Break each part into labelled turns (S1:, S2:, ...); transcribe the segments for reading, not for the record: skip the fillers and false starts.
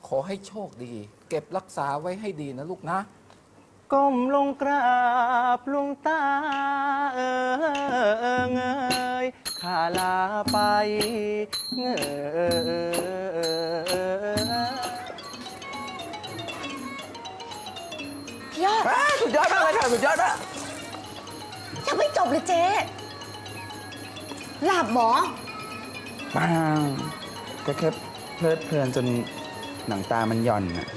S1: ขอให้โชคดี เก็บรักษาไว้ให้ดีนะลูกนะ
S2: ก้มลงกราบหลวงตาเงยข้าลาไปเงย
S3: พี่ยอด
S2: สุดยอดมากเลยค่ะสุดยอดมาก
S3: ยังไม่จบเลยเจ๊หลับหมอ
S2: ปังก็แค่เพลิดเพลินจนหนังตามันหย่อนอะ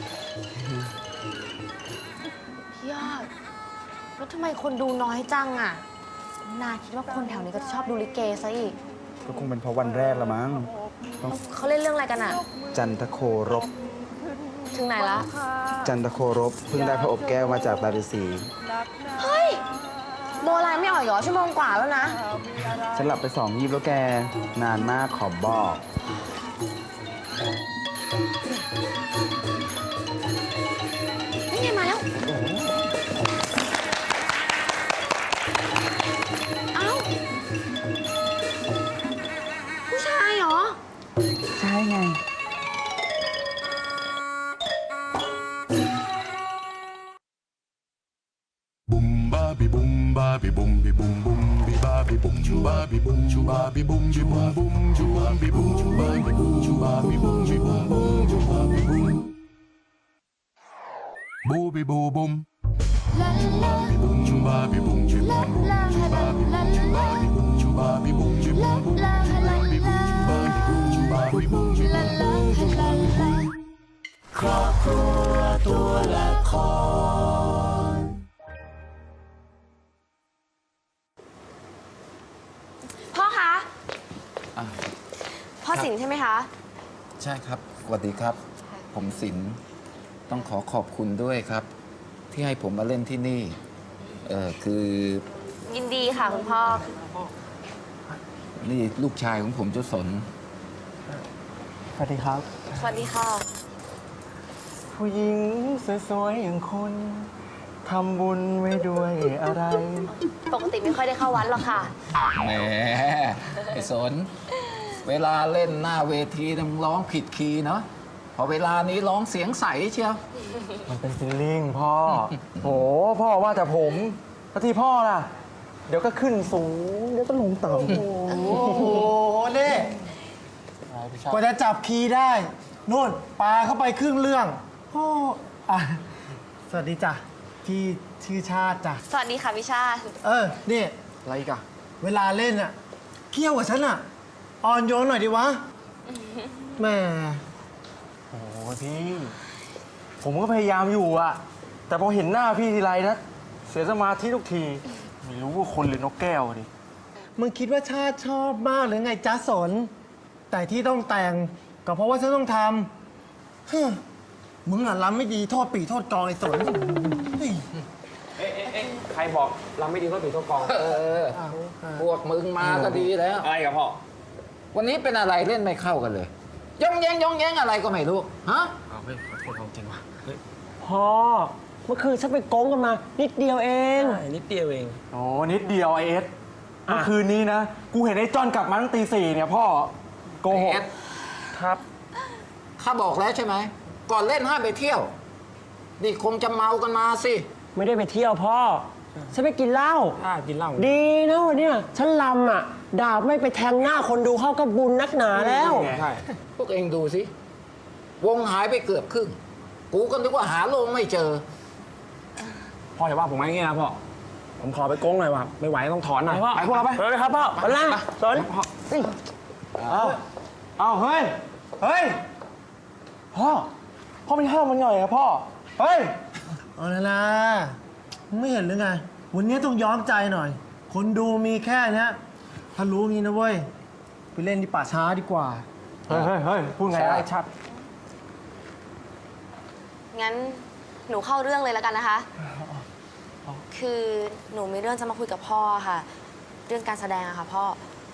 S3: พี่ยอด แล้วทำไมคนดูน้อยจังอ่ะ นาคิดว่าคนแถวนี้ก็จะชอบดูลิเกซะอีก
S2: ก็คงเป็นเพราะวันแรกละมั้งต้อง
S3: เขาเล่นเรื่องอะไรกันอ่ะ
S2: จันทโครบ
S3: ถึงไหนละ
S2: จันทโครบเพิ่งได้พระอบแก้วมาจากตาฤาษี
S3: เฮ้ย โบราณไม่อ่อยเหรอชั่วโมงกว่าแล้วนะ
S2: ฉันหลับไป2 ยีบแล้วแกนานมากขอบอก
S3: นี่ไงมาแล้ว เอ้า ผู้ชายเหรอ
S2: ใช่ไง
S4: Boom babi boom babi boom bi boom boom bi babi boom chu babi boom chu babi boom chu boom boom chu babi boom chu babi boom chu babi boom chu boom boom chu babi boom boo bi boo boom babi boom chu babi boom chu boom boom chu babi boom chu babi boom chu babi boom chu boom boom babi boom chu babi boom chu boom boom chu babi boom ครอบครัวตัวละคร
S3: พ่อคะ
S1: อ่ะ
S3: พ่อสินใช่ไหมคะ
S1: ใช่ครับสวัสดีครับ ผมศิลป์ต้องขอขอบคุณด้วยครับ ที่ให้ผมมาเล่นที่นี่ คือ
S3: ยินดีค่ะคุณพ่อ
S1: นี่ลูกชายของผมเจ้าสน
S2: สวัสดีครับ
S3: สวัสดีค่ะ
S2: ผู้หญิงสวยๆอย่างคุณทำบุญไว้ด้วยอะไร
S3: ปกติไม่ค่อยได้เข้าวัดหรอกค่ะ
S1: แหมไอ้สน เวลาเล่นหน้าเวทีต้องร้องผิดคีย์เนาะพอเวลานี้ร้องเสียงใสเชียว
S2: มันเป็นฟิลลิ่งพ่อ โหพ่อว่าแต่ผมแล้วที่พ่อล่ะ เดี๋ยวก็ขึ้นสูง เดี๋ยวก็ลงต่ำ
S5: โอ้โหนี่กว่าจะจับคีย์ได้นู่นปลาเข้าไปครึ่งเรื่องโอ้อ่ะสวัสดีจ้ะพี่ชื่อชาติจ้ะ
S3: สวัสดีค่ะพี่ชาติ
S5: นี่
S2: อะไรอีกอะ
S5: เวลาเล่นอ่ะเคี่ยวกับฉันอ่ะอ่อนโยนหน่อยดิวะแหม่
S2: โอ้พี่ ผมก็พยายามอยู่อะแต่พอเห็นหน้าพี่ทีไรนะ เสียสมาธิทุกที ไม่รู้ว่าคนหรือนกแก้วดิ
S5: มึงคิดว่าชาติชอบมากหรือไงจ๊ะสน แต่ที่ต้องแต่งก็เพราะว่าฉันต้องทำฮึ่มมึงอ่ะรำไม่ดีโทษปีโทษกองไอ้สนเฮ้ย
S2: ใครบอกเราไม่ดีก็ถือตัวกอง
S1: พวกมึงมาก็ดีแล้ว
S2: อะไรกับพ่อ
S1: วันนี้เป็นอะไรเล่นไม่เข้ากันเลยย่องแย้งอะไรก็ไม่รู้ ฮะ
S2: เอาเฮ้ยขอโทษจริงว่ะ
S6: พ่อเมื่อคืนฉันไปโกงกันมานิดเดียวเอง
S2: นิดเดียวเองโอ้นิดเดียวไอเอสเมื่อคืนนี้นะ กูเห็นไอ้จอนกลับมาตั้งตี 4เนี่ยพ่อ โกหก
S1: เอส
S2: ครับ
S1: ข้าบอกแล้วใช่ไหม ก่อนเล่นห้ามไปเที่ยว นี่คงจะเมากันมาสิ
S6: ไม่ได้ไปเที่ยวพ่อ ฉันไปกินเหล้า
S2: กินเหล้า
S6: ดีนะวันเนี้ยฉันลำอ่ะ ดาบไม่ไปแทงหน้าคนดูเข้าก็บุญนักหนาแล้ว
S2: ใช่
S1: พวกเองดูสิ วงหายไปเกือบครึ่ง กูก็นึกว่าหาโลงไม่เจอ
S2: พ่ออย่าว่าผมอย่างงี้นะพ่อ ผมขอไปโกงหน่อยว่ะไม่ไหวต้องถอนหน่อย
S6: ไปพ่อ
S2: ไปพวกเราไป
S6: ไปเลยครับพ่อไปล่าสน
S2: เอาเฮ้ย เฮ้ย พ่อ พ่อไม่ห้ามมันหน่อยอะพ่อ เฮ้ย
S5: เอาละนะมึงไม่เห็นหรือไง วันนี้ต้องย้อมใจหน่อย คนดูมีแค่เนี้ยถ้ารู้งี้นะเว้ย ไปเล่นที่ป่าช้าดีกว่า
S2: เฮ้ยเฮ้ยพูดไงไอ้ชัด
S3: งั้นหนูเข้าเรื่องเลยแล้วกันนะคะ คือหนูมีเรื่องจะมาคุยกับพ่อค่ะ เรื่องการแสดงอะค่ะพ่อ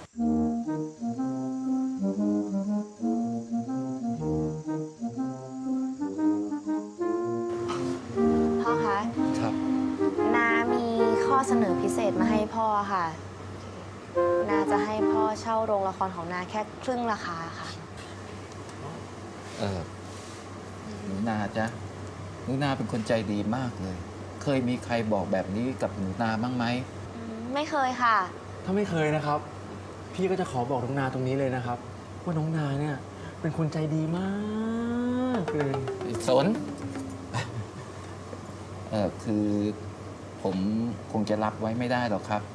S3: พ่อคะ
S1: ครับ
S3: นามีข้อเสนอพิเศษมาให้พ่อค่ะ นาจะให้พ่อเช่าโรงละครของนาแค่ครึ่งราคาค่ะ
S1: เออหนูนาจ๊ะหนูนาเป็นคนใจดีมากเลย เคยมีใครบอกแบบนี้กับหนูนาบ้างไหม
S3: ไม่เคยค่ะ
S2: ถ้าไม่เคยนะครับ พี่ก็จะขอบอกน้องนาตรงนี้เลยนะครับ ว่าน้องนาเนี่ยเป็นคนใจดีมากเลย
S1: สน คือผมคงจะรับไว้ไม่ได้หรอกครับ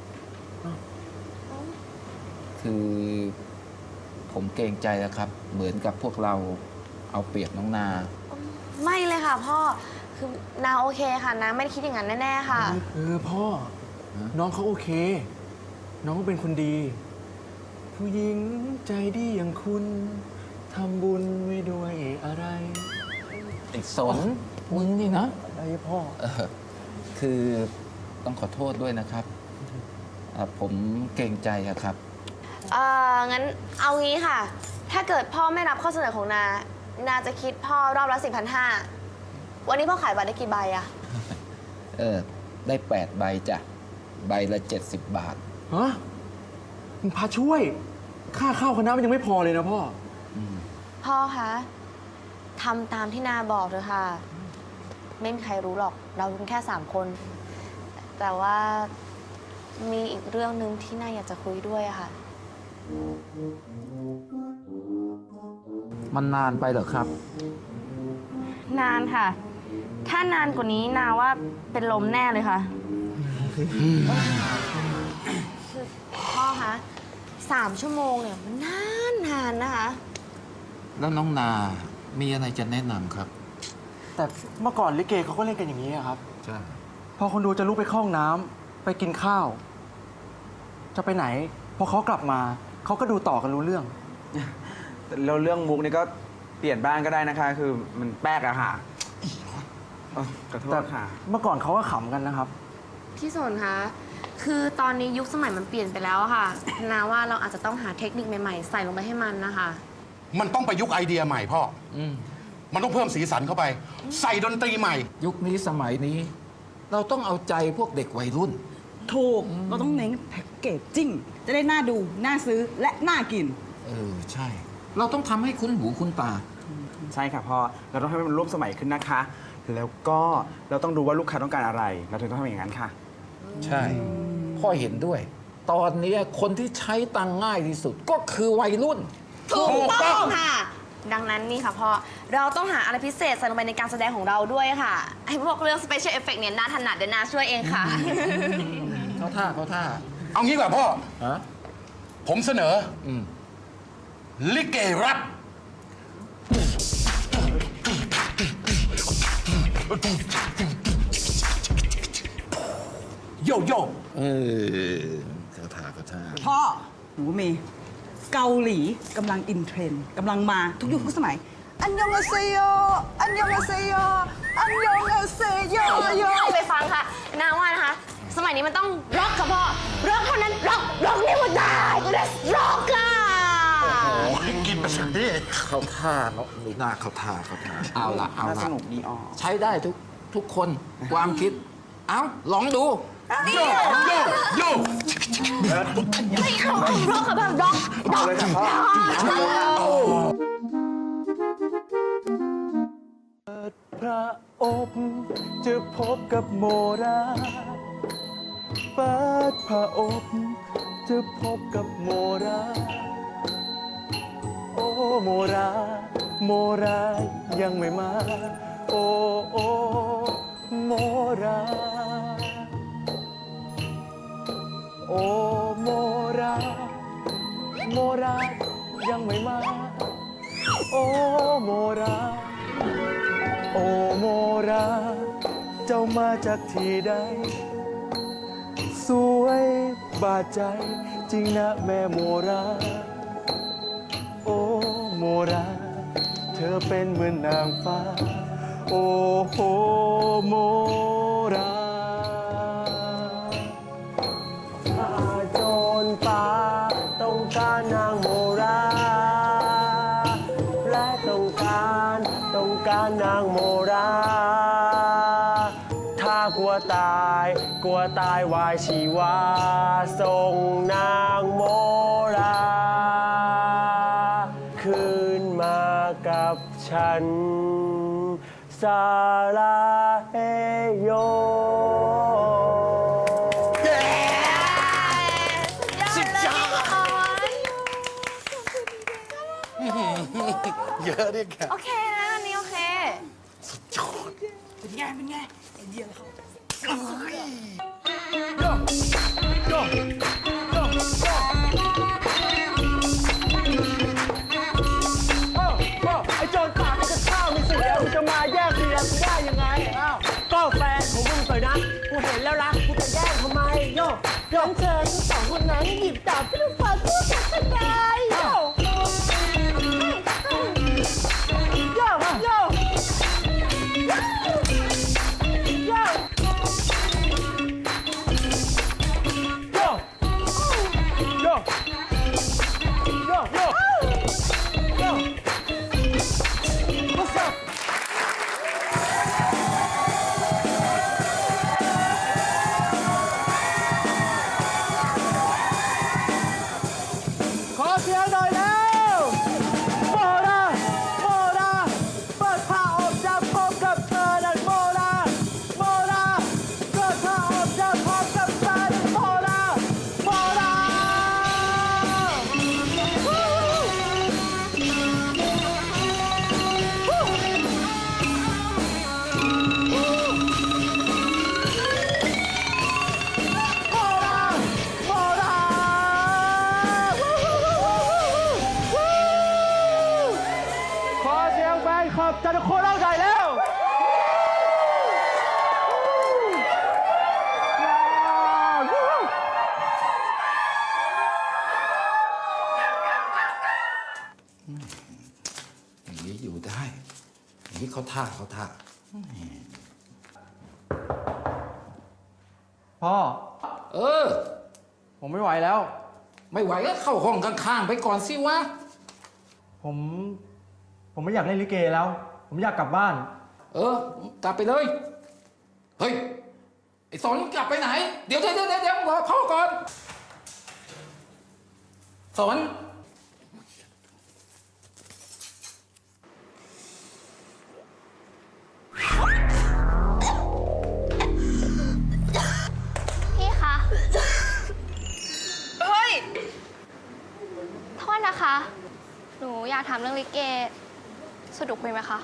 S1: คือผมเกรงใจนะครับ เหมือนกับพวกเราเอาเปรียบน้องนา
S3: ไม่เลยค่ะพ่อ คือนาโอเคค่ะนาไม่ได้คิดอย่างนั้นแน่ๆค่ะ
S2: พ่อ น้องเขาโอเค น้องเขาเป็นคนดี ผู้หญิงใจดีอย่างคุณทำบุญไว้ด้วยอะไร
S1: ไอ้สนมึงนี่นะ
S2: อะไรพ่อ
S1: คือต้องขอโทษด้วยนะครับผมเกรงใจอะครับ
S3: งั้นเอางี้ค่ะ ถ้าเกิดพ่อไม่รับข้อเสนอของนา นาจะคิดพ่อรอบละ4,500 วันนี้พ่อขายบัตรได้กี่ใบอะ
S1: ได้8 ใบจ้ะ ใบละ 70 บาท
S2: ฮะมึงพาช่วย ค่าข้าวคณะมันยังไม่พอเลยนะพ่อ
S3: พ่อคะทำตามที่นาบอกเถอะค่ะ ไม่มีใครรู้หรอก เรารู้กันแค่3 คน แต่ว่ามีอีกเรื่องหนึ่งที่นาอยากจะคุยด้วยอะค่ะ
S1: มันนานไปเหรอครับ
S3: นานค่ะ ถ้านานกว่านี้นาว่าเป็นลมแน่เลยค่ะ คือพ่อคะ3 ชั่วโมงเนี่ยมันนานนะคะ
S1: แล้วน้องนา มีอะไรจะแนะนำครับ
S2: แต่เมื่อก่อนลิเกเขาก็เล่นกันอย่างนี้อะครับ
S1: ใช่
S2: พอคนดูจะลุกไปเข้าห้องน้ำไปกินข้าว จะไปไหน พอเขากลับมา เขาก็ดูต่อกันรู้เรื่อง
S7: แล้วเรื่องมุกนี่ก็เปลี่ยนบ้างก็ได้นะคะ คือมันแป๊กอะค่ะขอโท
S2: แต่
S7: ษค่ะ
S2: เมื่อก่อนเขาก็ขำกันนะครับ
S3: พี่สนคะ คือตอนนี้ยุคสมัยมันเปลี่ยนไปแล้วอะค่ะ นาว่าเราอาจจะต้องหาเทคนิคใหม่ๆ ใส่ลงไปให้มันนะคะ
S8: มันต้องประยุกต์ไอเดียใหม่พ่อ มันต้องเพิ่มสีสันเข้าไป ใส่ดนตรีใหม่
S1: ยุคนี้สมัยนี้ เราต้องเอาใจพวกเด็กวัยรุ่น
S9: ถูก เราต้องเน้นแพ็กเกจจิ้ง จะได้น่าดู น่าซื้อ และน่ากิน
S1: ใช่ เราต้องทำให้คุ้นหูคุ้นตา
S7: ใช่ค่ะพ่อ เราต้องให้มันร่วมสมัยขึ้นนะคะ แล้วก็เราต้องดูว่าลูกค้าต้องการอะไร เราถึงต้องทำอย่างนั้นค่ะ
S1: ใช่ พ่อเห็นด้วย ตอนนี้คนที่ใช้ตังค์ง่ายที่สุดก็คือวัยรุ่น
S3: ถูกต้องค่ะ ดังนั้นนี่ค่ะพ่อ เราต้องหาอะไรพิเศษใส่ลงไปในการแสดงของเราด้วยค่ะ ไอ้พวกเรื่อง special effect เนี่ยน่าถนัดเดี๋ยวนาช่วยเองค่ะ
S1: เขาท่าเขาท่า
S8: เอางี้ดีกว่าพ่อ
S1: ฮะ
S8: ผมเสนอลิเกรับ โยโย่
S1: เขาท่าเขาท่า
S9: พ่อ หนูมีเกาหลีกำลังอินเทรนด์กำลังมาทุกยุคทุกสมัย อันยองอาเซโย อันยองอาเซโย อันยองอาเซโยโย
S3: ไปฟังค่ะนาว่านะคะ สมัยนี้มันต้องร็อกค่ะพ่อ ร็อกเท่านั้น ร็อกนี่มันได้ร็อกค่ะ
S8: กินไปสักที
S1: เขาท่าเนาะหรือหน้าเขาท่าเขาท่าเอาละเอา
S7: น่า
S1: ละ
S7: สนุกดีอ๋อ
S1: ใช้ได้ทุกคนความคิด เอาลองดู
S8: โยโยโย
S3: ไม่เอาร็อกค่ะพ่อร็อก
S7: เอาเลยค่ะพ่อ
S2: พระอบจะพบกับโมราเปิดพระอบจะพบกับโมรา โอ้โมรา โมรายังไม่มา โอ้โอ้โมรา โอ้โมรา โมรายังไม่มา โอ้โมรา โอ้โมรา เจ้ามาจากที่ใด สวยบาดใจจริงนะแม่โมรา โอ้โมรา เธอเป็นเหมือนนางฟ้า โอ้โหโมราถ้าโจรป่าต้องการนางโมรา และต้องการนางโมรา ถ้ากลัวตายวายชีวาส่งนางโมรา คืนมากับฉันซาลาเฮโย
S3: สุดยอดเลย
S8: เยอะดิแก
S3: โอเคนะอันนี้โอเค
S9: เป็นไง เป็นไงไอเดียเขา
S2: ไอ้โจรป่าเป็นข้าวมีเสียมึงจะมาแย่งเสียกูได้ยังไงอ้าวก็แฟนของมึงสวยนะกูเห็นแล้วนะกูจะแย่งทำไมโยโยเชิญทั้งสองคนนั้นหยิบดาบขึ้นฟ้าสู้กันทำไมโยโยโยโยโยโยโย What's up? ขอเสียงหน่อยแล้วโมนาโมนาเปิดผ้าอบจะพบกับเธอนั่นโมนาโมนาเปิดผ้าอบจะพบกับเธอนั่นโมนาโมนา ขอเสียงแฟนคลับจันทโคราชได้แล้ว
S1: อย่างนี้อยู่ได้ อย่างนี้เขาท่า
S2: พ่อ
S1: เออ
S2: ผมไม่ไหวแล้ว
S1: ไม่ไหวก็เข้าห้องข้างๆไปก่อนสิวะ
S2: ผมไม่อยากเล่นลิเกแล้ว ผมอยากกลับบ้าน
S1: เออ กลับไปเลย เฮ้ย ไอ้สนกลับไปไหน เดี๋ยวรอพ่อก่อน สน
S3: พี่คะ เฮ้ย โทษนะคะ หนูอยากถามเรื่องลิเกสะดวกคุยไหมคะ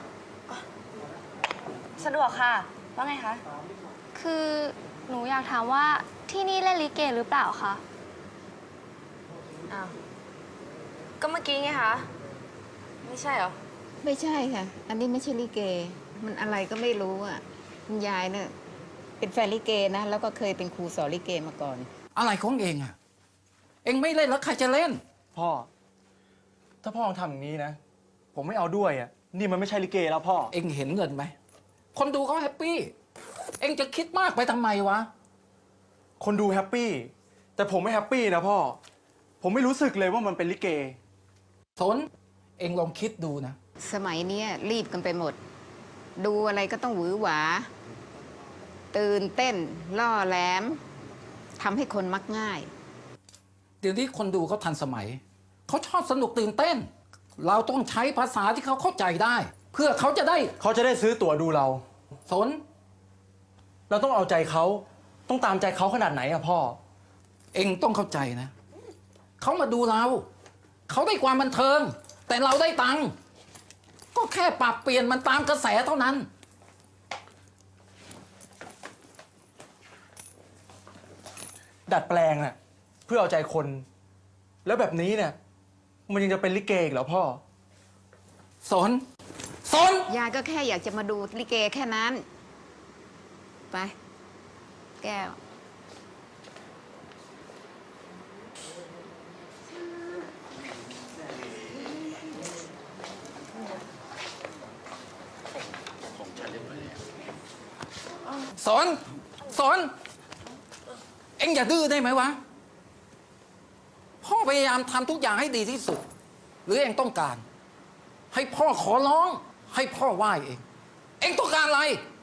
S10: สะดวกค่ะ ว่าไงคะ
S3: คือหนูอยากถามว่าที่นี่เล่นลิเกหรือเปล่าคะ
S10: อ้าว ก็เมื่อกี้ไงคะ ไม่ใช่เหรอ
S11: ไม่ใช่ค่ะ อันนี้ไม่ใช่ลิเก มันอะไรก็ไม่รู้อ่ะคุณยายเนี่ยเป็นแฟนลิเกนะ แล้วก็เคยเป็นครูสอนลิเกมาก่อน
S1: อะไรของเองอะเองไม่เล่นแล้วใครจะเล่น
S2: พ่อ ถ้าพ่อทำอย่างนี้นะ ผมไม่เอาด้วยอ่ะ นี่มันไม่ใช่ลิเกแล้วพ่อ
S1: เองเห็นเงินไหม คนดูเขาแฮปปี้ เองจะคิดมากไปทำไมวะ
S2: คนดูแฮปปี้ แต่ผมไม่แฮปปี้นะพ่อ ผมไม่รู้สึกเลยว่ามันเป็นลิเก
S1: สน เองลองคิดดูนะ
S11: สมัยเนี้ยรีบกันไปหมด ดูอะไรก็ต้องหวือหวา ตื่นเต้น ล่อแหลมทำให้คนมักง่าย
S1: เดี๋ยวนี้คนดูเขาทันสมัย เขาชอบสนุกตื่นเต้น เราต้องใช้ภาษาที่เขาเข้าใจได้ เพื่อเขาจะได้
S2: ซื้อตั๋วดูเรา
S1: สน
S2: เราต้องเอาใจเขา ต้องตามใจเขาขนาดไหนอะพ่อ
S1: เองต้องเข้าใจนะ เขามาดูเรา เขาได้ความบันเทิง แต่เราได้ตังค์ ก็แค่ปรับเปลี่ยนมันตามกระแสเท่านั้น
S2: ดัดแปลงน่ะเพื่อเอาใจคน แล้วแบบนี้เนี่ย มันยังจะเป็นลิเกอีกเหรอพ่อ
S1: สน
S11: ยายก็แค่อยากจะมาดูลิเกแค่นั้น ไป แก้ว
S1: สน เอ็งอย่าดื้อได้ไหมวะ พ่อพยายามทำทุกอย่างให้ดีที่สุด หรือเอ็งต้องการ ให้พ่อขอร้อง ให้พ่อไหว้เอง เอ็งต้องการอะไร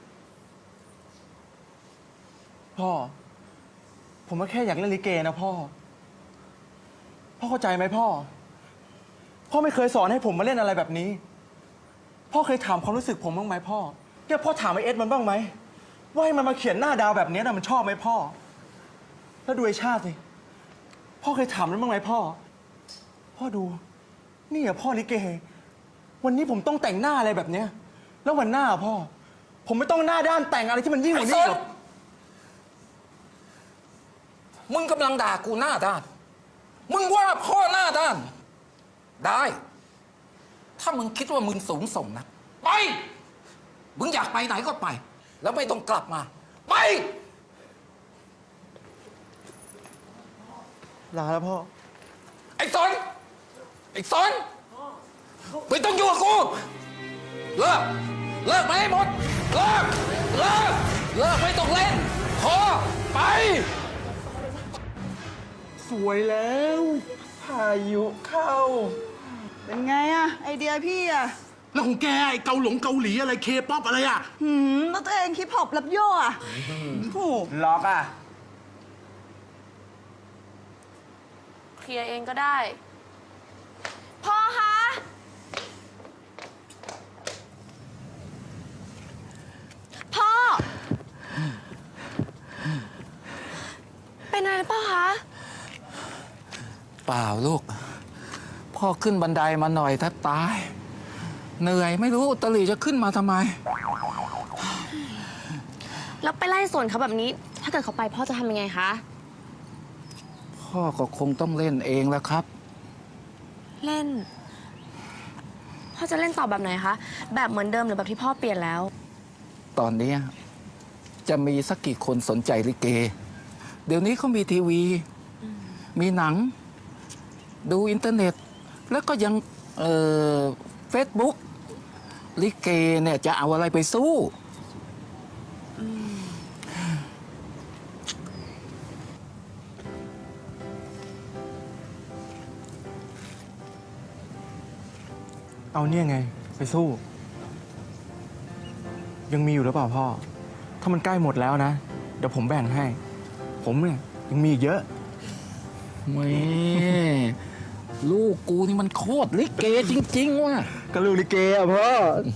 S2: พ่อ ผมก็แค่อยากเล่นลิเกนะพ่อ พ่อเข้าใจไหมพ่อ พ่อไม่เคยสอนให้ผมมาเล่นอะไรแบบนี้ พ่อเคยถามความรู้สึกผมบ้างไหมพ่อเนี่ยพ่อถามไอเอสมันบ้างไหมว่าให้มันมาเขียนหน้าดาวแบบนี้นะมันชอบไหมพ่อ แล้วดูไอชาติสิพ่อเคยถามมันบ้างไหมพ่อ พ่อดู นี่อะพ่อลิเก วันนี้ผมต้องแต่งหน้าอะไรแบบเนี้ยแล้ววันหน้าพ่อ ผมไม่ต้องหน้าด้านแต่งอะไรที่มันยิ่งกว่านี้หรอก
S1: มึงกำลังด่ากูหน้าด้าน มึงว่าพ่อหน้าด้าน ได้ ถ้ามึงคิดว่ามึงสูงส่งนะ ไป มึงอยากไปไหนก็ไป แล้วไม่ต้องกลับมา ไป
S2: ลาแล้วพ่อ
S1: ไอ้สน ไอ้สนไม่ต้องอยู่กับกู เลิก เลิกมาให้หมด เลิก เลิก เลิกไม่ต้องเล่น พอ ไป
S2: สวยแล้วพายุเข้า
S9: เป็นไงอะไอเดียพี่อะ
S8: แล้วของแกไอ้เกาหลีอะไรเคป๊อปอะไรอ่ะ
S9: แล้วตัวเองฮิปฮอปรับโย่อะโอ้
S7: ล็อกอ่ะ
S10: เคลียร์เองก็ได้ พ่อคะ พ่อ เป็นอะไรหรือเปล่าคะ
S1: เปล่าลูก พ่อขึ้นบันไดมาหน่อยแทบตาย เหนื่อยไม่รู้ตะหลี่จะขึ้นมาทำไม
S3: แล้วไปไล่สวนเขาแบบนี้ ถ้าเกิดเขาไปพ่อจะทำยังไงคะ
S1: พ่อก็คงต้องเล่นเองแล้วครับ
S3: เล่น พ่อจะเล่นต่อแบบไหนคะ แบบเหมือนเดิมหรือแบบที่พ่อเปลี่ยนแล้ว
S1: ตอนนี้จะมีสักกี่คนสนใจลิเก เดี๋ยวนี้เขามีทีวี มีหนัง ดูอินเทอร์เน็ต แล้วก็ยังเฟซบุ๊กลิเกเนี่ยจะเอาอะไรไปสู้
S2: เอาเนี่ยไง ไปสู้ ยังมีอยู่หรือเปล่าพ่อ ถ้ามันใกล้หมดแล้วนะ เดี๋ยวผมแบ่งให้ ผมเนี่ยยังมีอีกเยอะ
S1: แม่ลูกกูนี่มันโคตรลิเกจริง ๆ ว่ะ
S2: ก็ลูกลิเกอะพ่อ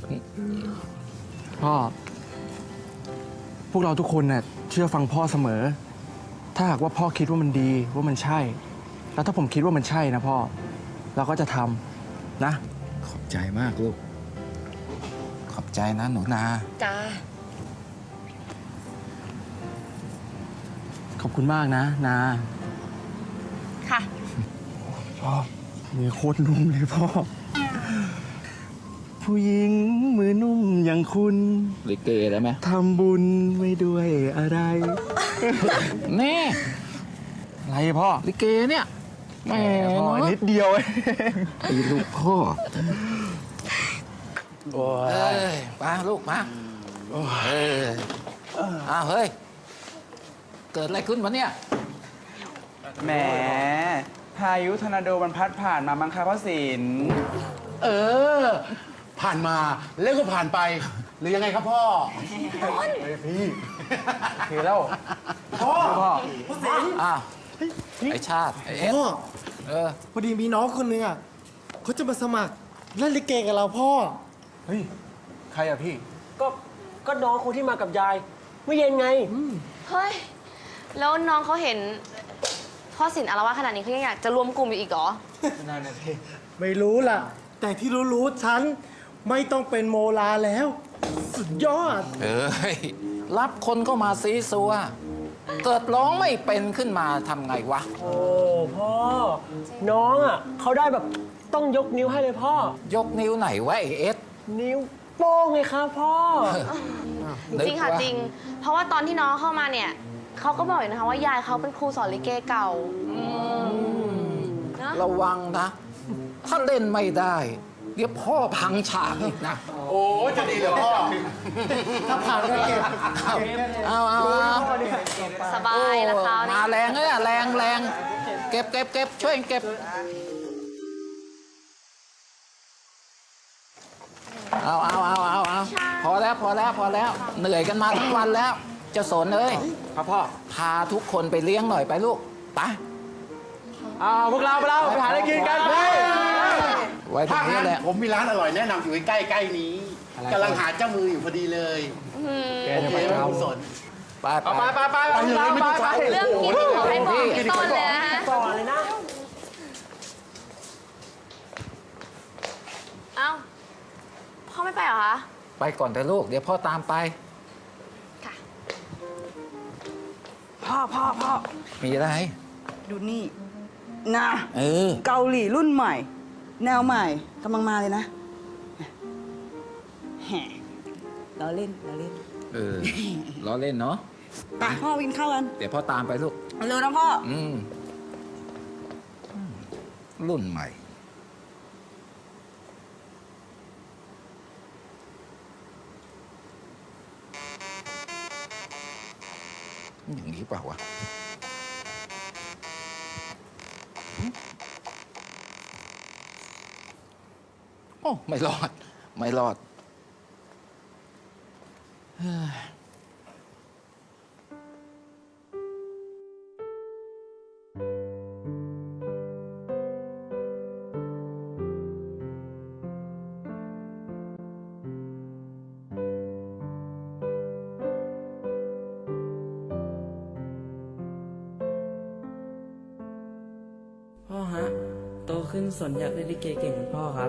S2: พ่อ พวกเราทุกคนน่ะเชื่อฟังพ่อเสมอ ถ้าหากว่าพ่อคิดว่ามันดีว่ามันใช่ แล้วถ้าผมคิดว่ามันใช่นะพ่อ เราก็จะทำนะ
S1: ขอบใจมากลูก ขอบใจนะหนูนา
S3: จ้า
S2: ขอบคุณมากนะนา
S3: ค่ะ
S2: พ่อมือโคตรนุ่มเลยพ่อ ผู้หญิงมือนุ่มอย่างคุณ
S1: ลิเกได้ไหม
S2: ทำบุญไว้ด้วยอะไร
S1: แน่
S2: อะไรพ่อ
S1: ลิเกเนี่ยแหม่
S2: พ่อ
S1: เนอะ
S2: นิดเดียวเอง
S1: ไอ้ลูกพ่อ
S2: โอ้
S1: เอ้
S2: ย
S1: ยมาลูกมาอ้าวเฮ้ย เกิดอะไรขึ้นวะเนี่ย
S7: แหม พายุทอร์นาโดมันพัดผ่านมามั้งคะพ่อศิลป์
S8: เออ ผ่านมาแล้วก็ผ่านไป หรือยังไงครับพ่อ
S2: พี่คือแล้ว พ่อ
S7: พ่อ
S1: อ้าว ไอชาติ ไอเอส
S5: พ่อ
S1: เ
S5: พอดีมีน้องคนนึงอ่ะเขาจะมาสมัครเล่นลิเกกับเราพ่อ
S2: เฮ้ย ใครอะพี่
S6: ก็น้องคนที่มากับยาย เมื่อเย็นไง
S3: เฮ้ย แล้วน้องเขาเห็น พ่อสินอารวาสขนาดนี้เขายังอยากจะรวมกลุ่มอยู่อีกเหรอ
S2: นั่นนะพี่
S5: ไม่รู้ล่ะ แต่ที่รู้ๆฉันไม่ต้องเป็นโมลาแล้ว สุดยอด
S1: เอ้ย รับคนเข้ามาซีซัว เกิดร้องไม่เป็นขึ้นมาทำไงวะ
S6: โอ้พ่อ น้องอ่ะเขาได้แบบต้องยกนิ้วให้เลยพ่อ
S1: ยกนิ้วไหนวะไอเอส
S6: นิ้วโป้งไงครับพ่อ
S3: จริงค่ะจริง เพราะว่าตอนที่น้องเข้ามาเนี่ยเขาก็บอกอยู่นะคะว่ายายเขาเป็นครูสอนลิเกเก่านะ
S1: ระวังนะ ถ้าเล่นไม่ได้ เดี๋ยวพ่อพังฉากอีกนะ
S8: โอ้จะดีเหรอพ่อ
S5: ถ้าผ่านก็เก็บ
S1: เอา
S3: สบายละคราวนี้
S1: มาแรงเลยอะแรงเก็บช่วยเก็บ เอาพอแล้ว เหนื่อยกันมาทั้งวันแล้วเจ้าสนเอ้ย
S2: ครับพ่อ
S1: พาทุกคนไปเลี้ยงหน่อยไปลูก ไป
S2: พวกเราไปหาอะไรกินกัน
S1: มไว้ตรง
S8: ถ้า
S1: นี้
S8: งั้น
S1: แหละ
S8: ผมมีร้านอร่อยแนะนำอยู่ใกล้ๆนี้กำลังหาเจ้ามืออยู่พอดีเลย
S5: แก
S8: โอ
S5: จะ
S8: เค
S5: ไป
S8: ไหม
S5: เอา
S8: คุณสน
S1: ไป
S5: ไป
S8: ไปเลยไม่ต้องช้า
S10: เรื่องกินขอให้บอกพี่ต้นเลยนะฮะ
S6: ก่อนเลยนะ
S10: เอ้า พ่อไม่ไปเหรอคะ
S1: ไปก่อนเถอะลูก เดี๋ยวพ่อตามไป
S10: ค่ะ
S9: พ่อ
S1: มีอะไร
S9: ดูนี่นะ
S1: เออ
S9: เกาหลีรุ่นใหม่ แนวใหม่กำลังมาเลยนะแหมเราเล่น
S1: เออ ล้อเล่นเนาะ
S9: ไปพ่อกินข้าวกัน
S1: เดี๋ยวพ่อตามไปลูก
S9: เร็วนะพ่อ
S1: รุ่นใหม่ อย่างนี้เปล่าวะ โอ้ ไม่รอด ไม่รอดเฮ้ย
S12: พ่อฮะ โตขึ้นสนอยากเล่นลิเกเก่งเหมือนพ่อครับ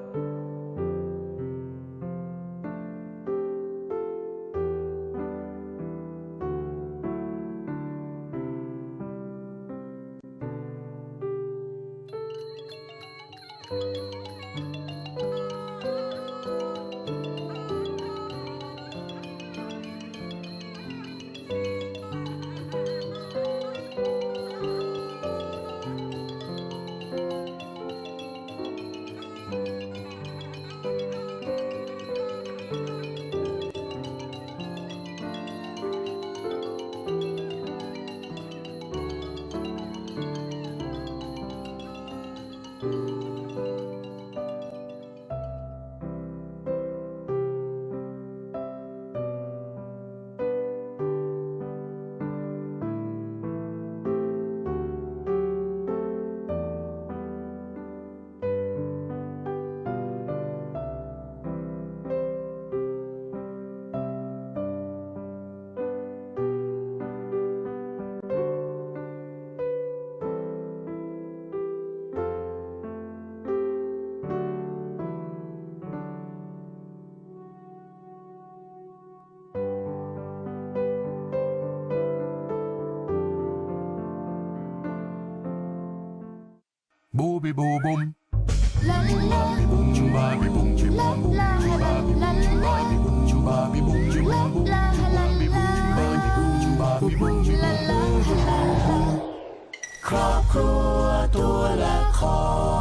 S4: Boo be boo boom. Chubabi boom, chubabi boom, chibum boom. Chubabi boom, chubabi boom, chibum boom. Chubabi boom, chubabi boom, chibum boom.
S2: ครอบครัวตัวละคร